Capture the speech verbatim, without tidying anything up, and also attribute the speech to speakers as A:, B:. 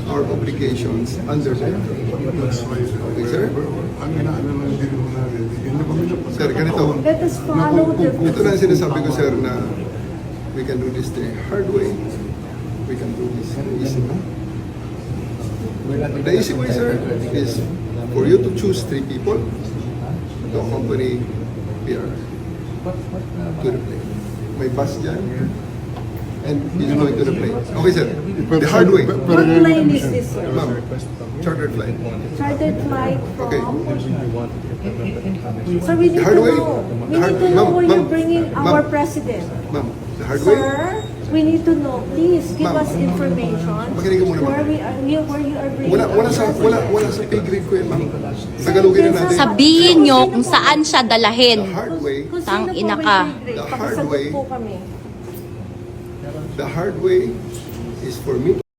A: our obligations under the
B: That's why,
A: Okay, sir?
B: ang inaano lang din mo natin, hindi mo kami napasama.
A: Sir, ganito.
C: Let us follow the
A: Ito na ang sinasabi ko, sir, na we can do this the hard way. We can do this the easy way. The easy way, sir, is for you to choose three people to accompany P R to the plane. May bus dyan, and he's going to the plane. Okay, sir. The hard way.
C: What plane is this, sir?
A: Ma'am, chartered flight.
C: Chartered flight
A: Okay.
C: from... Sir, we need
A: The
C: to
A: hard way.
C: know. We
A: The hard-
C: need to know
A: Ma'am,
C: where you're
A: ma'am,
C: bringing
A: ma'am.
C: our president.
A: Ma'am, the hard way.
C: Sir, we need to know. Please give
A: Ma'am.
C: us information
A: Makinig ka muna, ma'am.
C: where we are, we- where you are bringing
A: Wala, wala
C: our
A: sa,
C: president.
A: wala, wala sa pay grade ko yan, ma'am. Tagalogin na natin.
D: Sabihin nyo kung saan siya dalahin.
A: The hard way,
C: Kung
D: Tang
C: sino po
D: ina
C: may
D: ka.
C: grade,
A: The hard
C: pakisagot
A: way.
C: po kami.
A: the hard way is for me